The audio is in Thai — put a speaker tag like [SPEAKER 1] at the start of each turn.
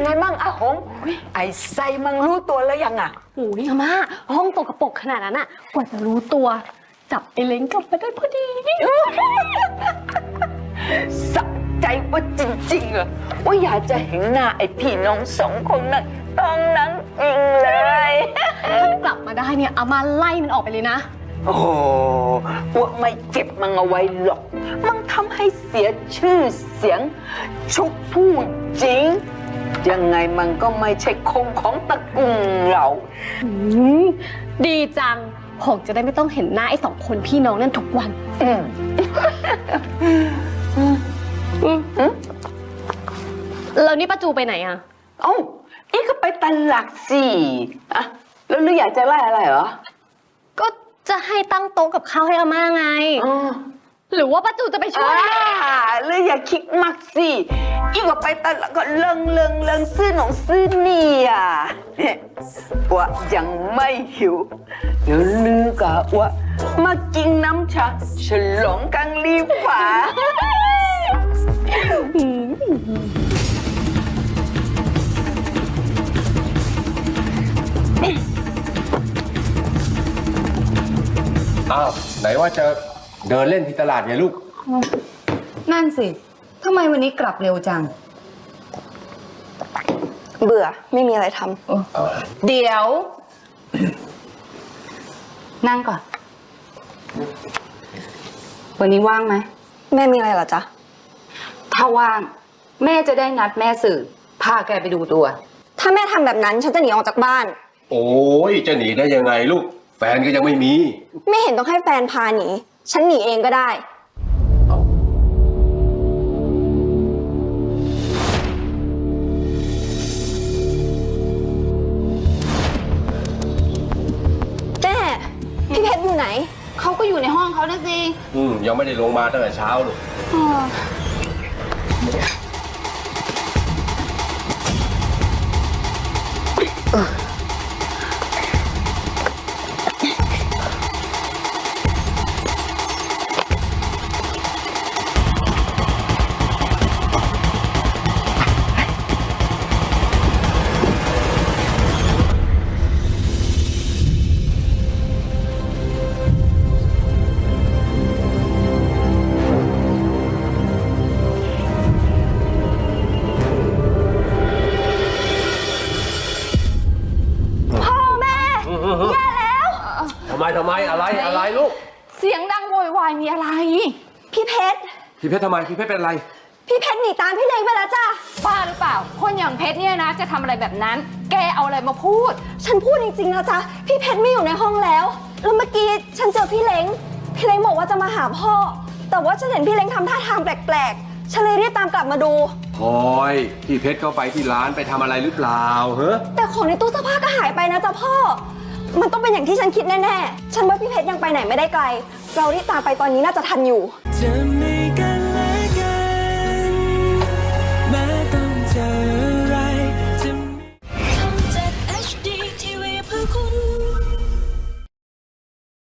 [SPEAKER 1] ไงมั่งอาหงไอ้ไซมังรู้ตัวแล้วยังอ่ะ
[SPEAKER 2] โอ้ยอาม่าห้องตกกระปรกขนาดนั้นอะกว่าจะรู้ตัวจับไอ้เล้งกลับมาได้พอดี
[SPEAKER 1] สะใจว่าจริงๆอ่ะว่าอยากจะเห็นหน้าไอ้พี่น้องสองคนนั้นตอนนั้นจริงเลย
[SPEAKER 2] ถ้ากลับมาได้เนี่ยอาม่าไล่มันออกไปเลยนะ
[SPEAKER 1] โอ้ว่าไม่เก็บมันเอาไว้หรอก มันทำให้เสียชื่อเสียงชุกพูดจริง ยังไงมันก็ไม่ใช่คงของตระกูลเรา
[SPEAKER 2] ดีจังหงจะได้ไม่ต้องเห็นหน้าไอ้2 คนพี่น้องนั่นทุกวัน แล้วนี่ป้าจูไปไหนอะ
[SPEAKER 1] เอ้าอีกก็ไปตลาดสิอะแล้วหรืออยากจะไล่อะไรเหรอ
[SPEAKER 2] ก็จะให้ตั้งโต๊ะกับข้าวให้อาม่าไง หรือว่าป้าจูจะไปช่วย
[SPEAKER 1] หรืออย่าคิดมากสิอีกก็ไปตลาดก็เลิงซื้อหนองซื้อนี่อ่ะเนี่ยว่ายังไม่หิว เดี๋ยวลือกะว่ามากินน้ำชาฉลองกันรีบฝ่า
[SPEAKER 3] อ้าวไหนว่าจะเดินเล่นที่ตลาดไงลูก
[SPEAKER 4] นั่นสิ ทำไมวันนี้กลับเร็วจัง
[SPEAKER 5] เบื่อไม่มีอะไรท
[SPEAKER 4] เดี๋ยว นั่งก่อน วันนี้ว่างไหม
[SPEAKER 5] ำแม่มีอะไรเหรอจ๊ะ
[SPEAKER 4] ถ้าว่าง แม่จะได้นัดแม่สื่อ พาแกไปดูตัว
[SPEAKER 5] ถ้าแม่ทำแบบนั้นฉันจะหนีออกจากบ้าน
[SPEAKER 3] โอ้ยจะหนีได้ยังไงลูก แฟนก็ยังไม่มี
[SPEAKER 5] ไม่เห็นต้องให้แฟนพาหนี ฉันหนีเองก็ได้ แม่พี่เพชรอยู่ไหน
[SPEAKER 4] เขาก็อยู่ในห้องเขานะสิ
[SPEAKER 3] ยังไม่ได้ลงมาตั้งแต่เช้าลูก
[SPEAKER 5] พ่อแม่ แย่แล้ว
[SPEAKER 3] ทำไมอะไรลูก
[SPEAKER 4] เสียงดังโวยวายมีอะไร
[SPEAKER 5] พี่เพชร
[SPEAKER 3] พี่เพชรทำไมพี่เพชรเป็นอะไร
[SPEAKER 5] พี่เพชรหนีตามพี่เล้งไปแล้วจ้ะ
[SPEAKER 4] บ้าหรือเปล่า คนอย่างเพชรเนี่ยนะ จะทำอะไรแบบนั้น แกเอาอะไรมาพูด
[SPEAKER 5] ฉันพูดจริงๆนะจ๊ะ พี่เพชรไม่อยู่ในห้องแล้ว แล้วเมื่อกี้ฉันเจอพี่เล้ง พี่เล้งบอกว่าจะมาหาพ่อ แต่ว่าฉันเห็นพี่เล้งทำท่าทางแปลกๆ ฉันเลยรีบตามกลับมาดู
[SPEAKER 3] พลอยพี่เพชรเข้าไปที่ร้านไปทำอะไรหรือเปล่าเฮ้
[SPEAKER 5] แต่ของในตู้เสื้อผ้าก็หายไปนะจ๊ะพ่อ มันต้องเป็นอย่างที่ฉันคิดแน่ๆ ฉันว่าพี่เพชรยังไปไหนไม่ได้ไกล เรารีบตามไปตอนนี้น่าจะทันอยู่
[SPEAKER 6] จะไม่